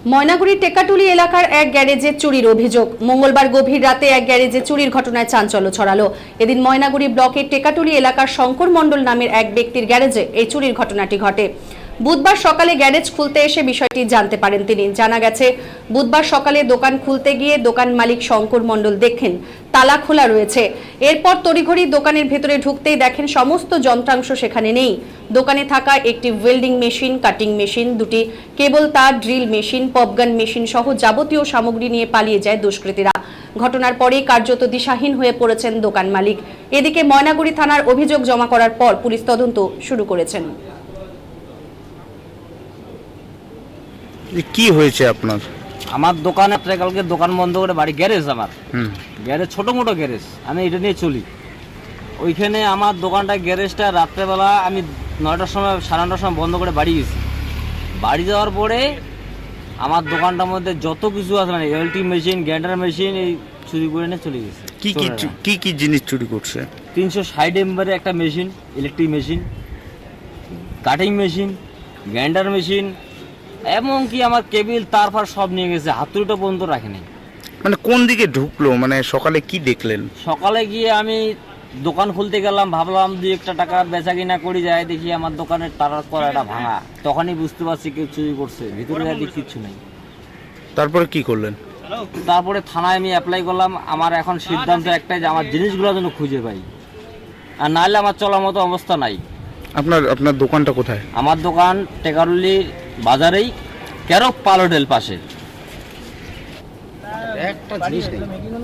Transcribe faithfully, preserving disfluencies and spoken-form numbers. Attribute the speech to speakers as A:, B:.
A: ময়নাগুড়ির টেকাটুলি এলাকার এক গ্যারেজে চুরির অভিযোগ। মঙ্গলবার গভীর রাতে এক গ্যারেজে চুরির ঘটনায় চাঞ্চল্য ছড়ালো। এদিন ময়নাগুড়ি ব্লকের টেকাটুলি এলাকার শঙ্কর মণ্ডল নামের এক ব্যক্তির গ্যারেজে এই চুরির ঘটনাটি ঘটে। বুধবার সকালে গ্যারেজ খুলতে এসে বিষয়টি জানতে পারেন তিনি। জানা গেছে, বুধবার সকালে দোকান খুলতে গিয়ে দোকান মালিক শঙ্কর মণ্ডল দেখেন তালা খোলা রয়েছে। এরপর তড়িঘড়ি দোকানের ভেতরে ঢুকতেই দেখেন সমস্ত যন্ত্রাংশ সেখানে নেই। দোকানে থাকা একটি ওয়েল্ডিং মেশিন, কাটিং মেশিন, দুটি কেবল তার, ড্রিল মেশিন, পপগান মেশিন সহ যাবতীয় সামগ্রী নিয়ে পালিয়ে যায় দুষ্কৃতীরা। ঘটনার পরেই কার্যত দিশাহীন হয়ে পড়েছেন দোকান মালিক। এদিকে ময়নাগুড়ি থানার অভিযোগ জমা করার পর পুলিশ তদন্ত শুরু করেছেন।
B: কি হয়েছে আপনার?
C: আমার দোকানে কালকে দোকান বন্ধ করে বাড়ি, গ্যারেজ আমার গ্যারেজ, ছোট মোটো গ্যারেজ, আমি এটা নিয়ে চলি। ওইখানে আমার দোকানটা, গ্যারেজটা রাত্রেবেলা আমি নয়টার সময়, সাড়ে নটার সময় বন্ধ করে বাড়ি গেছি। বাড়ি যাওয়ার পরে আমার দোকানটার মধ্যে যত কিছু আছে, মানে এলটি মেশিন, গ্রাইন্ডার মেশিন, এই চুরি করে নিয়ে চলে গেছে।
B: কি কি কি কি জিনিস চুরি করছে?
C: তিনশো ষাট এম্বারে একটা machine, electric machine, cutting machine, grinder machine, এমনকি আমার কেবিল, তারপর সব নিয়ে গেছে, হাতুড়িটা পর্যন্ত রাখেনি।
B: মানে কোন দিকে ঢুকলো? মানে সকালে কি দেখলেন?
C: সকালে গিয়ে আমি দোকান খুলতে গেলাম, ভাবলাম দুই একটা টাকা বেচা কিনা করি যায়, দেখি আমার দোকানের তারার কড়াটা ভাঙা। তখনই বুঝতে পারছি কেউ চুরি করছে, ভিতরে দেখি কিচ্ছু নেই।
B: তারপরে কি করলেন?
C: তারপরে থানায় আমি অ্যাপ্লাই করলাম। আমার এখন সিদ্ধান্ত একটাই যে আমার জিনিসগুলো যেন খুঁজে পাই, আর নাহলে আমার চলার মতো অবস্থা নাই।
B: আপনার আপনার দোকানটা কোথায়?
C: আমার দোকান টেকারুলি বাজারেই, কেরক পালোডেল পাশে। একটা জিনিস নেই।